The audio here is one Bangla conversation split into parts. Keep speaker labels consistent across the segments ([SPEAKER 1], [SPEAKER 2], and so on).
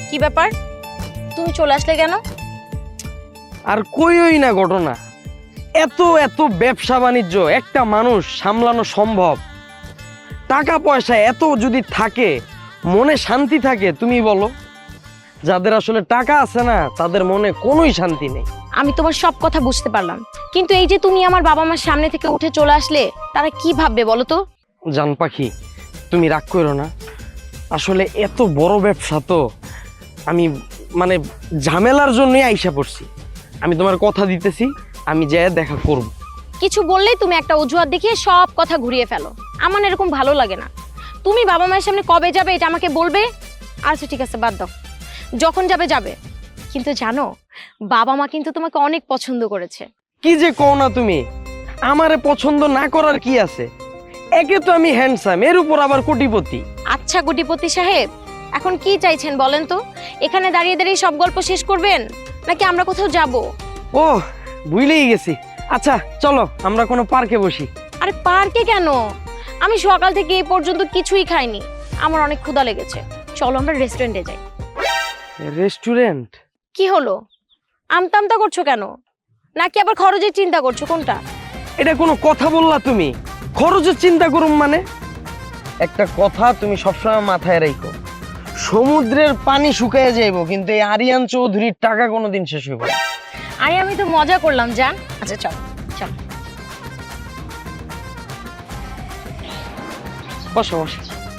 [SPEAKER 1] কি ব্যাপার, তুমি চলে আসলে কেন?
[SPEAKER 2] আর কইই না ঘটনা, এত এত ব্যবসা বাণিজ্য একটা মানুষ সামলানো সম্ভব? টাকা পয়সা এত যদি থাকে, মনে শান্তি থাকে? তুমি বলো। যাদের আসলে টাকা আছে না, তাদের মনে কোনোই শান্তি নেই।
[SPEAKER 1] আমি তোমার সব কথা বুঝতে পারলাম, কিন্তু এই যে তুমি আমার বাবা মার সামনে থেকে উঠে চলে আসলে, তারা কি ভাববে বলো তো?
[SPEAKER 2] জান পাখি, তুমি রাগ করো না। আসলে এত বড় ব্যবসা তো, আমি মানে ঝামেলার জন্যই আইসা পড়ছি। আমি তোমার কথা দিতেছি, আমি যেয়ে দেখা করব।
[SPEAKER 1] কিছু বললেই তুমি একটা অজুহাত দেখিয়ে সব কথা ঘুরিয়ে ফেলো। আমার না এরকম ভালো লাগে না। তুমি বাবা মায়ের সামনে কবে যাবে এটা আমাকে বলবে। আচ্ছা ঠিক আছে, বাদ দাও, যখন যাবে যাবে। কিন্তু জানো, বাবা মা কিন্তু তোমাকে অনেক পছন্দ করেছে।
[SPEAKER 2] কি যে কও না তুমি, আমারে পছন্দ না করার কি আছে? একে তো আমি হ্যান্ডসাম, এর উপর আবার কোটিপতি।
[SPEAKER 1] আচ্ছা কোটিপতি সাহেব, এখন কি চাইছেন বলেন তো? এখানে দাঁড়িয়ে দাঁড়িয়ে সব গল্প শেষ করবেন, নাকি আমরা কোথাও যাব?
[SPEAKER 2] ও, ভুলেই গেছি। আচ্ছা চলো, আমরা কোনো পার্কে বসি।
[SPEAKER 1] আরে পার্কে কেন? আমি সকাল থেকে এই পর্যন্ত কিছুই খাইনি, আমার অনেক ক্ষুধা লেগেছে। চলো আমরা রেস্টুরেন্টে যাই।
[SPEAKER 2] রেস্টুরেন্ট?
[SPEAKER 1] কি হলো, আমতা আমতা করছো কেন? নাকি আবার খরচের চিন্তা করছো, কোনটা?
[SPEAKER 2] এটা কোনো কথা বললা তুমি? খরচের চিন্তা করুম মানে? একটা কথা তুমি সবসময় মাথায় রাখো, সমুদ্রের পানি শুকিয়ে যাইব, কিন্তু এই আরিয়ান চৌধুরীর টাকা কোনোদিন শেষ হইব না।
[SPEAKER 1] আরে আমি তো মজা করলাম জান। আচ্ছা চল চল।
[SPEAKER 2] বসো বসো।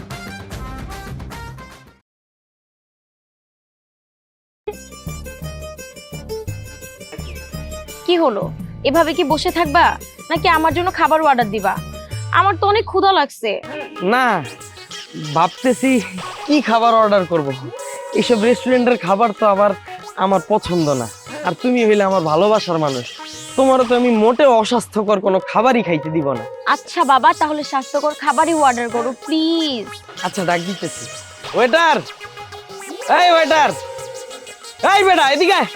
[SPEAKER 1] কি হলো, এভাবে কি বসে থাকবা, নাকি আমার জন্য খাবার অর্ডার দিবা? আমার তো অনেক ক্ষুধা লাগছে।
[SPEAKER 2] না, ভাবতেছি কি খাবার অর্ডার করব। এইসব রেস্টুরেন্টের খাবার তো আবার আমার পছন্দ না। আর তুমি হইলে আমার ভালোবাসার মানুষ, তোমারও তো আমি মোটেও অস্বাস্থ্যকর কোনো খাবারই খাইতে দিব না।
[SPEAKER 1] আচ্ছা বাবা, তাহলে স্বাস্থ্যকর খাবারই অর্ডার করো প্লিজ।
[SPEAKER 2] আচ্ছা ডাক দিতেছি। ওয়েটার, এই ওয়েটার, এই বেটা এদিকে আয়।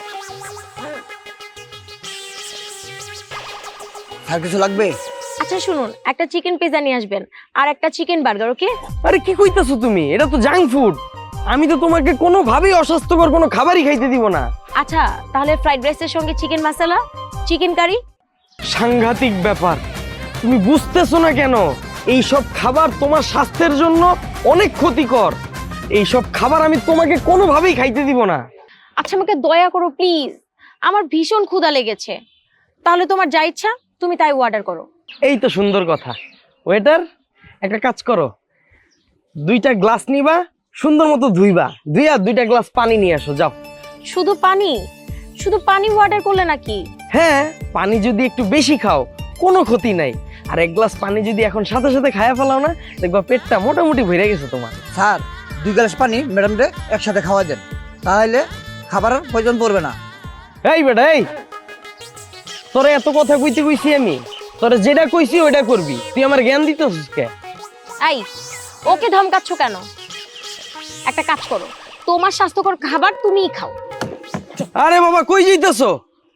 [SPEAKER 3] আর কিছু লাগবে?
[SPEAKER 1] আচ্ছা শুনুন, একটা চিকেন পিৎজা নিয়ে আসবেন, আর একটা চিকেন বার্গার। ওকে?
[SPEAKER 2] আরে কি কইতাছো তুমি? এটা তো জাঙ্ক ফুড। আমি তো তোমাকে কোনোভাবেই অস্বাস্থ্যকর কোনো খাবারই খাইতে দিব না।
[SPEAKER 1] আচ্ছা তাহলে ফ্রাইড রাইসের সঙ্গে চিকেন মশলা, চিকেন কারি।
[SPEAKER 2] সাংঘাতিক ব্যাপার, তুমি বুঝতেছো না কেন? এইসব খাবার তোমার স্বাস্থ্যের জন্য অনেক ক্ষতিকর। এইসব খাবার আমি তোমাকে কোনোভাবেই খাইতে দিব না।
[SPEAKER 1] আচ্ছা আমাকে দয়া করো প্লিজ, আমার ভীষণ ক্ষুধা লেগেছে। তাহলে তোমার যা ইচ্ছা তুমি তাই অর্ডার করো।
[SPEAKER 2] এই তো সুন্দর কথা। ওয়েটার, একটা কাজ করো, দুইটা গ্লাস নিবা, সুন্দর মতো ধুইবা, ধুইয়া দুইটা গ্লাস পানি নিয়ে আসো, যাও।
[SPEAKER 1] শুধু পানি? শুধু পানি অর্ডার করলে নাকি?
[SPEAKER 2] হ্যাঁ, পানি যদি একটু বেশি খাও কোনো ক্ষতি নাই। আর এক গ্লাস পানি যদি এখন সাথে সাথে খায়া ফেলাও না, দেখবা পেটটা মোটামুটি ভরে গেছে তোমার।
[SPEAKER 3] স্যার, 2 গ্লাস পানি ম্যাডামরে একসাথে খাওয়া দেন, তাহলে খাবারের প্রয়োজন পড়বে না।
[SPEAKER 2] এই বেটা, এই তোরে এত কথা কইতে কইছি আমি, তোরে যেটা কইছি ওইটা করবি। তুই আমার জ্ঞান দিতেছিস কে?
[SPEAKER 1] এই, ওকে ধমকাচ্ছ কেন? একটা কাজ করো, তোমার স্বাস্থ্যকর খাবার তুমিই খাও।
[SPEAKER 2] আরে বাবা, কই যাইতেছো?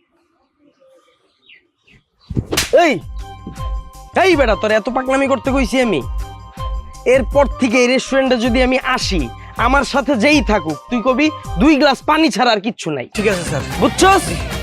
[SPEAKER 2] এই এই বেটা, তোরে এত পাকনামি করতে কইছি আমি? এরপর থেকে এই রেস্টুরেন্টে যদি আমি আসি, আমার সাথে যেই থাকুক, তুই কবি 2 গ্লাস পানি ছাড়া আর কিচ্ছু নাই।
[SPEAKER 3] ঠিক আছে স্যার।
[SPEAKER 2] বুঝছস?